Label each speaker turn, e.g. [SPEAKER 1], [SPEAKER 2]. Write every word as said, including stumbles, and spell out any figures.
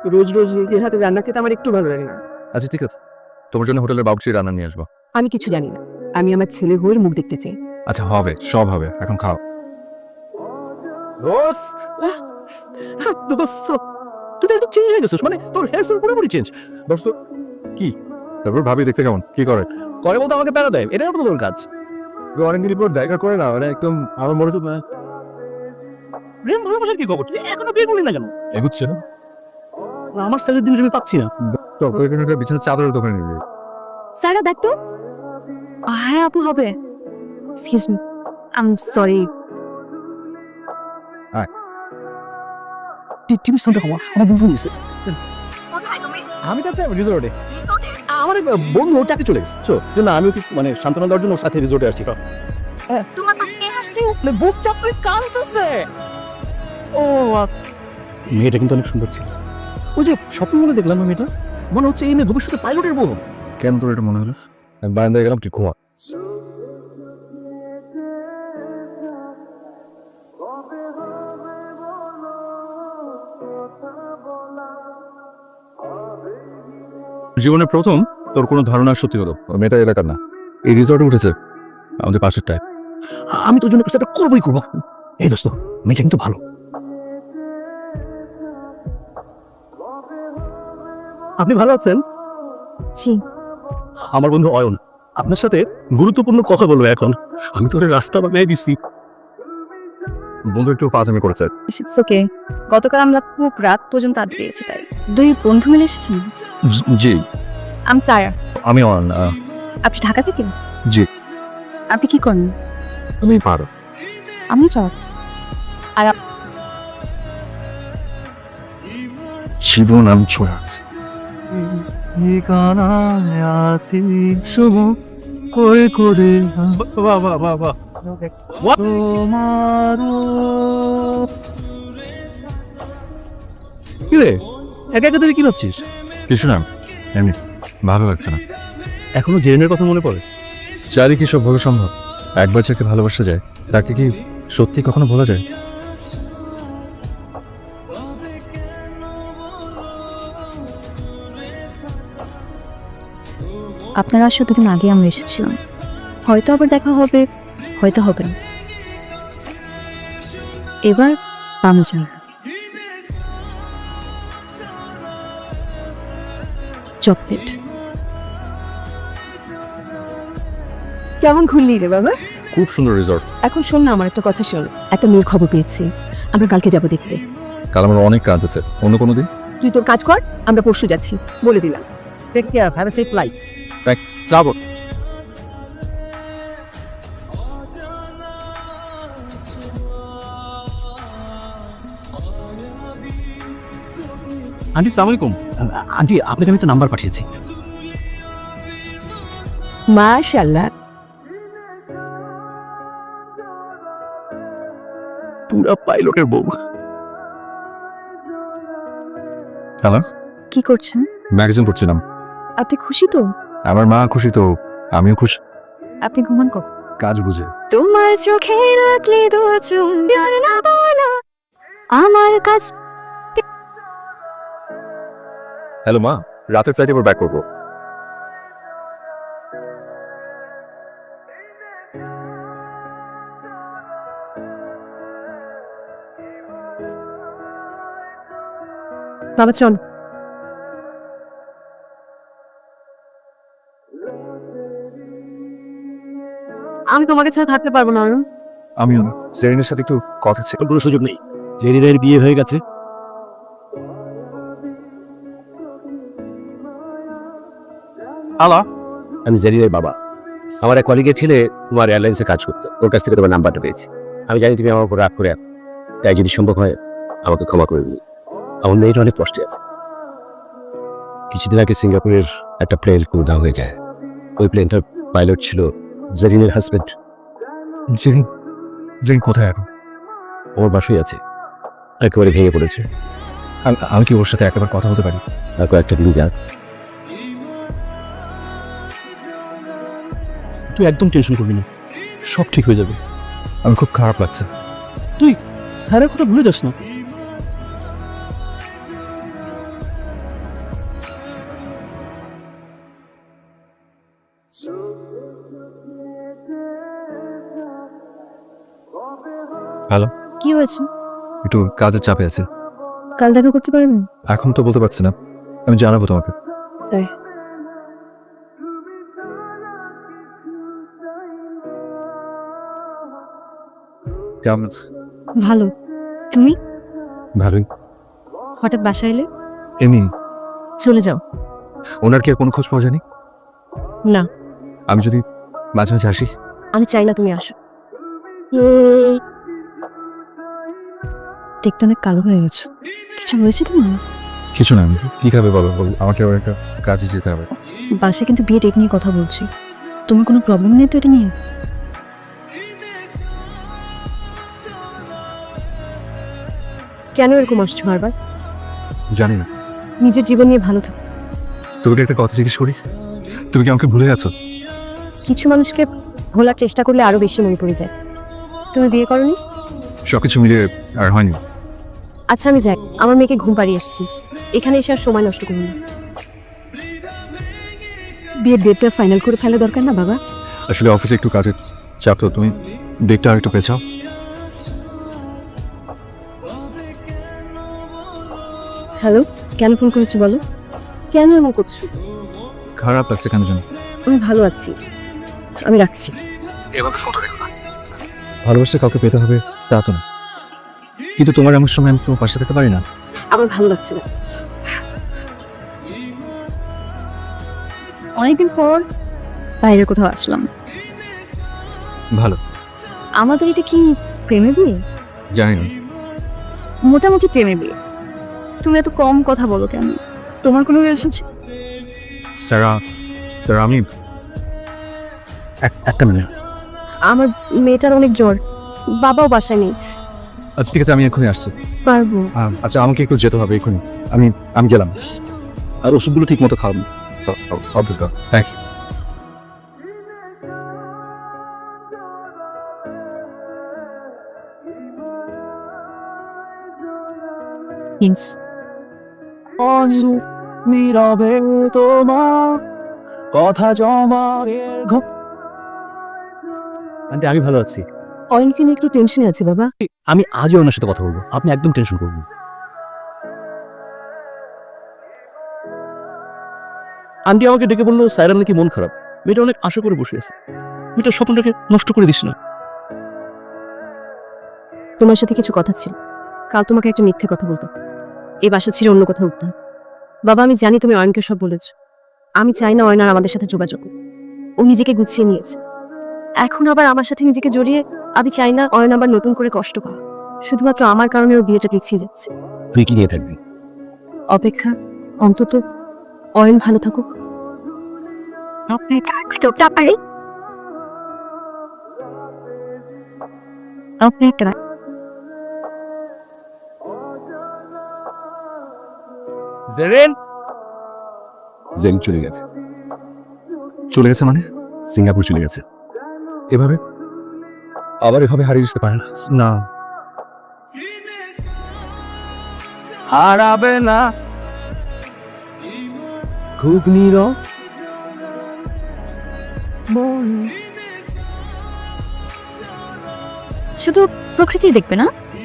[SPEAKER 1] রোজ রোজ নিজের হাতে রান্না খেতে আমার একটু ভালো লাগে না।
[SPEAKER 2] আচ্ছা ঠিক আছে, তোমার জন্য হোটেলের বাবুর্চি রান্না নিয়ে আসবো।
[SPEAKER 1] আমি কিছু জানি না, আমি আমার ছেলের বউয়ের মুখ দেখতে চাই।
[SPEAKER 2] আচ্ছা হবে, সব হবে, এখন খাও।
[SPEAKER 3] দোস্ত দোস্ত তুই তো একদম চেঞ্জ হয়ে গেছিস, মানে তোর হেয়ার স্টাইল পুরোপুরি চেঞ্জ। দোস্ত কি
[SPEAKER 2] তারপর ভাবি দেখতে কেমন, কি করে?
[SPEAKER 3] করে বলতে আমাকে প্যারা দেয়, এটাই তো তোর কাজ।
[SPEAKER 2] অনেকদিন পর দেখা করে না, মানে একদম আমার মনে হচ্ছে
[SPEAKER 3] প্রেম ভালোবাসার কি খবর? তুই এখনো বিয়ে করলি না কেন?
[SPEAKER 2] এগুচ্ছে না।
[SPEAKER 3] আমার সাইজের জিনিস আমি পাচ্ছি না।
[SPEAKER 2] তো ওইখানে একটা বিছানার চাদরের দোকানে নিবি।
[SPEAKER 4] সারা দেখ তো। হ্যাঁ আপু হবে। Excuse me, I am sorry.
[SPEAKER 3] TV sound কমা, আমার বন্ধু দিছে।
[SPEAKER 4] কোথায় তুমি?
[SPEAKER 3] আমি তো একটা রিসোর্টে,
[SPEAKER 4] রিসোর্টে?
[SPEAKER 3] আমার এক বন্ধু ওর চাকরি চলে গেছে, তো জন্য আমি ওকে মানে সান্ত্বনা দেওয়ার জন্য ওর সাথে রিসোর্টে আসছি।
[SPEAKER 4] তোমার পাশে কে হাসছে?
[SPEAKER 3] বুক চাপড়ে কাঁদতেছে। ও মেয়েটা কিন্তু অনেক সুন্দর ছিল। ওই যে স্বপ্ন মনে দেখলাম না মেয়েটা, মনে হচ্ছে এই মেয়ে ভবিষ্যতে পাইলটের বউ।
[SPEAKER 2] কেন তোর এটা মনে হলো? আমি বারান্দায় গেলাম, তুই ঘুমা। জীবনে প্রথম তোর কোনো ধারণা সত্যি হলো। ওই মেয়েটা এলাকার না, এই রিসর্টে উঠেছে, আমাদের পাশের টাইপ।
[SPEAKER 3] আমি তোর জন্য কিছু একটা করবোই করবো। এই দোস্ত, মেয়েটা কিন্তু ভালো। আপনি ভালো আছেন?
[SPEAKER 4] জি।
[SPEAKER 3] আমার বন্ধু অয়ন আপনার সাথে গুরুত্বপূর্ণ কথা বলবো এখন। আমি তোর রাস্তা বানিয়ে দিচ্ছি।
[SPEAKER 2] বন্ধু একটু পাঁচামি করেছে।
[SPEAKER 4] It's okay. গতকাল আমরা খুব রাত পর্যন্ত আড্ডা দিয়েছি, তাই দুই বন্ধু মিলে এসেছেন।
[SPEAKER 2] জি।
[SPEAKER 4] আম সারা।
[SPEAKER 2] আমি অন।
[SPEAKER 4] আপনি ঢাকা থেকে?
[SPEAKER 2] জি।
[SPEAKER 4] আপনি কি করেন?
[SPEAKER 2] তুমি পারো।
[SPEAKER 4] আমি চল। আর
[SPEAKER 2] জীবন আমি ছুঁয়ে আছি।
[SPEAKER 3] বাহ বাহ বাহ বাহ। কি রে, একা একা তুই কি ভাবছিস?
[SPEAKER 2] কিছু না, এমনি ভালো লাগছে না।
[SPEAKER 3] এখনো জেনের কথা মনে পড়ে?
[SPEAKER 2] চারি কি সব ভাবে সম্ভব? একবার যাকে ভালোবাসা যায় তাকে কি সত্যি কখনো ভোলা যায়?
[SPEAKER 4] আপনারা আসলে দুদিন আগে আমরা এসেছিলাম, হয়তো আবার দেখা হবে, হয়তো হবে না। এবার পামে যান। চকলেট।
[SPEAKER 1] কেমন ঘুরলি রে বাবা?
[SPEAKER 2] খুব সুন্দর রিসর্ট।
[SPEAKER 1] এখন শোন না, আমার একটা কথা শোন। একটা মেয়ের খবর পেয়েছি, আমরা কালকে যাব দেখতে।
[SPEAKER 2] কাল আমার অনেক কাজ আছে, অন্য কোনো দিন।
[SPEAKER 1] তুই তোর কাজ কর, আমরা পরশু যাচ্ছি, বলে দিলাম।
[SPEAKER 3] Take care, have a safe flight.
[SPEAKER 2] যাবো।
[SPEAKER 3] আন্টি সালাম আলাইকুম। আন্টি আপনাকে আমি একটা নাম্বার পাঠিয়েছি।
[SPEAKER 1] মাশাআল্লাহ,
[SPEAKER 3] পুরা পাইলটের বউ।
[SPEAKER 2] হ্যালো,
[SPEAKER 4] কি করছেন?
[SPEAKER 2] ম্যাগাজিন পড়ছিলাম।
[SPEAKER 4] আপনি খুশি তো?
[SPEAKER 2] আমার মা খুশি তো আমিও খুশি।
[SPEAKER 4] আপনি ঘুমান কখন?
[SPEAKER 2] কাজ বুঝে।
[SPEAKER 4] তোমার চোখে রাখলে দু চুম্বন না বলা আমার কাছে।
[SPEAKER 2] হ্যালো মা, রাতের ফ্লাইটে এবার ব্যাক করবো।
[SPEAKER 1] বাবা চল। আমি তোমাকে ছাড়া থাকতে পারবো না অরুণ।
[SPEAKER 2] আমিও না, জেরিনের সাথে একটু কথা ছিল।
[SPEAKER 3] কোনো সুযোগ নেই, জেরিনের বিয়ে হয়ে গেছে।
[SPEAKER 5] হ্যালো, আমি জেরিনের বাবা। আমার এক কলিগের ছেলে তোমার এয়ারলাইন্সে কাজ করতো, ওর কাছ থেকে তোমার নাম্বারটা পেয়েছি। আমি জানি তুমি আমার উপর রাগ করে আছো, তাই যদি সম্ভব হয় আমাকে ক্ষমা করে দিই। আমার মেয়েটা অনেক কষ্টে আছে। কিছুদিন আগে সিঙ্গাপুরের একটা প্লেন উধাও হয়ে যায়। ওই প্লেনটার পাইলট ছিল জেরিনের হাজবেন্ড।
[SPEAKER 2] জেরিন জেরিন কোথায় এখন?
[SPEAKER 5] ওর বাসায় আছে, একেবারে ভেঙে পড়েছে।
[SPEAKER 2] আমি- আমি কি ওর সাথে একবার কথা বলতে পারি?
[SPEAKER 5] আর কয়েকটা দিন যাক।
[SPEAKER 3] তুই একদম টেনশন করবি না, সব ঠিক হয়ে যাবে।
[SPEAKER 2] আমি খুব খারাপ লাগছে।
[SPEAKER 3] তুই স্যারের কথা ভুলে যাস না।
[SPEAKER 4] কি হয়েছে?
[SPEAKER 2] একটু কাজের চাপে আছে।
[SPEAKER 4] কাল দেখা করতে পারবেন?
[SPEAKER 2] এখন তো বলতে পারছি না, আমি জানাবো তোমাকে।
[SPEAKER 4] তাই?
[SPEAKER 2] কেমন আছো?
[SPEAKER 4] ভালো। তুমি?
[SPEAKER 2] ভালোই।
[SPEAKER 4] হঠাৎ বাসায় এলে?
[SPEAKER 2] এমনি।
[SPEAKER 1] চলে যাও।
[SPEAKER 2] ওনার কি আর কোনো খোঁজ পাওয়া যায়নি?
[SPEAKER 1] না,
[SPEAKER 2] আমি যদি মাঝে মাঝে আসি?
[SPEAKER 1] আমি চাই না তুমি আসো।
[SPEAKER 4] দেখতে অনেক কালো হয়ে গেছো। কিছু হয়েছে তোমার?
[SPEAKER 2] কিছু না, আমি কি খাবে বলো, বল আমাকে আবার একটা কাজে যেতে হবে।
[SPEAKER 4] বাসায় কিন্তু বিয়ে ডেট নিয়ে কথা বলছি। তোমার কোনো প্রবলেম নেই তো এটা নিয়ে?
[SPEAKER 1] কেন এরকম আসছো বারবার?
[SPEAKER 2] জানি না।
[SPEAKER 1] নিজের জীবন নিয়ে ভালো থাকো।
[SPEAKER 2] তোকে একটা কথা জিজ্ঞেস করি, তুমি কি আমাকে ভুলে গেছো?
[SPEAKER 1] কিছু মানুষকে ভোলার চেষ্টা করলে আরো বেশি মনে পড়ে যায়। তুমি বিয়ে করনি?
[SPEAKER 2] সবকিছু মিলিয়ে আর হয়নি।
[SPEAKER 1] আচ্ছা আমি যাই, আমার মেয়েকে ঘুম পাড়িয়ে এসেছি। এখানে এসে আর সময় নষ্ট করুন না। বিয়ের ডেটটা ফাইনাল করে ফেলা দরকার না বাবা?
[SPEAKER 2] আসলে অফিসে একটু কাজের চাপ, তো তুমি ডেটটা আর একটু পেছাও।
[SPEAKER 1] হ্যালো, কেন ফোন করেছো বলো? কেন এমন করছো?
[SPEAKER 2] খারাপ লাগছে কেন জানো?
[SPEAKER 1] আমি ভালো আছি, আমি রাখছি।
[SPEAKER 2] এভাবে ফোনটা রেখো না। ভালোবাসা কাউকে পেতে হবে তা তো না, কিন্তু তোমার এমন সময় আমি তোমার পাশে থাকতে পারি না।
[SPEAKER 1] আমার ভালো লাগছে না।
[SPEAKER 4] অনেকদিন পর বাইরে কোথাও আসলাম।
[SPEAKER 2] ভালো।
[SPEAKER 4] আমাদের এটা কি প্রেমে বিয়ে?
[SPEAKER 2] জানি না।
[SPEAKER 4] মোটামুটি প্রেমে বিয়ে। তুমি এত কম কথা বলো কেন? তোমার কোনো রিলেশন ছিল?
[SPEAKER 2] স্যারা স্যার আমি এক- একটা মিনিট।
[SPEAKER 1] আমার মেয়েটার অনেক জ্বর, বাবাও বাসায় নেই।
[SPEAKER 2] আচ্ছা ঠিক আছে, আমি এক্ষুনি আসছি।
[SPEAKER 1] পারবো?
[SPEAKER 2] আম, আচ্ছা আমাকে একটু যেতে হবে এক্ষুনি। আমি আমি গেলাম। আর ওষুধগুলো ঠিক মতো খাওয়াবো। Thank you.
[SPEAKER 4] প্লিজ।
[SPEAKER 3] নীরবে তোমার কথা জমায়ের ঘ- আন্টি আমি ভালো আছি।
[SPEAKER 1] অয়নকে নিয়ে একটু টেনশনে আছি বাবা।
[SPEAKER 3] আমি আজও ওনার সাথে কথা বলবো, আপনি একদম টেনশন করবেন না। আন্টি আমাকে ডেকে বললো সাইরার নাকি মন খারাপ, মেয়েটা অনেক আশা করে বসে আছে। মেয়েটার স্বপ্নটাকে নষ্ট করে দিস না।
[SPEAKER 1] তোমার সাথে কিছু কথা ছিল, কাল তোমাকে একটা মিথ্যে কথা বলতো। এই বাসা ছেড়ে অন্য কোথাও উঠতাম। বাবা আমি জানি তুমি অয়নকে সব বলেছ। আমি চাই না অয়ন আর আমাদের সাথে যোগাযোগ করুক। ও নিজেকে গুছিয়ে নিয়েছে, এখন আবার আমার সাথে নিজেকে জড়িয়ে। আমি চাই না অয়ন আবার নতুন করে কষ্ট পায়। শুধুমাত্র আমার কারণে ওর বিয়েটা পিছিয়ে যাচ্ছে।
[SPEAKER 5] তুই কি নিয়ে থাকবি?
[SPEAKER 1] অপেক্ষা, অন্তত অয়ন ভালো থাকুক।
[SPEAKER 3] জেরেন
[SPEAKER 5] জেন চলে গেছে।
[SPEAKER 2] চলে গেছে মানে?
[SPEAKER 5] সিঙ্গাপুর চলে গেছে।
[SPEAKER 2] এভাবে আবার এভাবে হারিয়ে যেতে পারে না। না
[SPEAKER 3] হারাবে না খুব নীরব
[SPEAKER 4] শুধু প্রকৃতি দেখবে না,